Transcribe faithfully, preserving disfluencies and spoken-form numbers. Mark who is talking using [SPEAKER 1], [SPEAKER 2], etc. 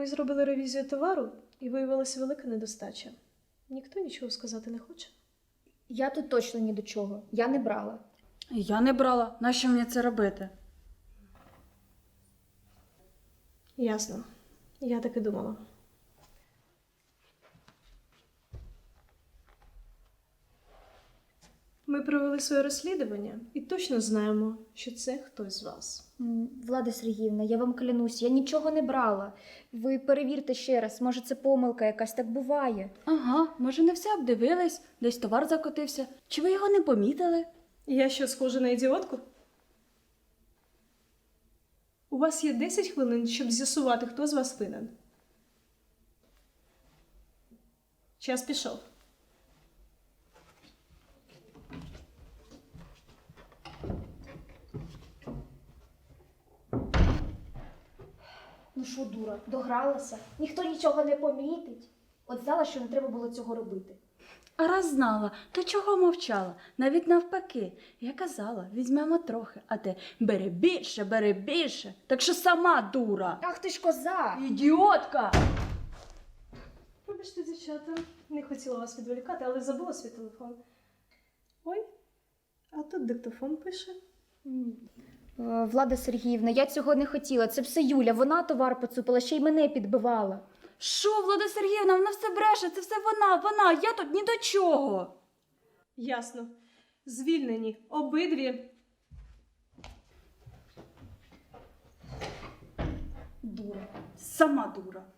[SPEAKER 1] Ми зробили ревізію товару і виявилася велика недостача. Ніхто нічого сказати не хоче.
[SPEAKER 2] Я тут точно ні до чого. Я не брала.
[SPEAKER 3] Я не брала. Нащо мені це робити?
[SPEAKER 1] Ясно. Я так і думала. Ми провели своє розслідування і точно знаємо, що це хтось з вас.
[SPEAKER 2] М, Влада Сергіївна, я вам клянусь, я нічого не брала. Ви перевірте ще раз, може це помилка якась, так буває.
[SPEAKER 3] Ага, може не все обдивились, десь товар закотився. Чи ви його не помітили?
[SPEAKER 1] Я що, схожа на ідіотку? У вас є десять хвилин, щоб з'ясувати, хто з вас винен. Час пішов.
[SPEAKER 2] Ну що, дура, догралася? Ніхто нічого не помітить. От знала, що не треба було цього робити.
[SPEAKER 3] А раз знала, то чого мовчала? Навіть навпаки. Я казала, візьмемо трохи, а ти бери більше, бери більше. Так що сама дура.
[SPEAKER 2] Ах ти ж коза!
[SPEAKER 3] Ідіотка!
[SPEAKER 1] Вибачте, дівчата, не хотіла вас відволікати, але забула свій телефон. Ой, а тут диктофон пише.
[SPEAKER 2] Е, Влада Сергіївна, я цього не хотіла. Це все Юля, вона товар поцупила, ще й мене підбивала.
[SPEAKER 3] Що, Влада Сергіївна, вона все бреше, це все вона, вона, я тут ні до чого.
[SPEAKER 1] Ясно. Звільнені обидві.
[SPEAKER 3] Дура, сама дура.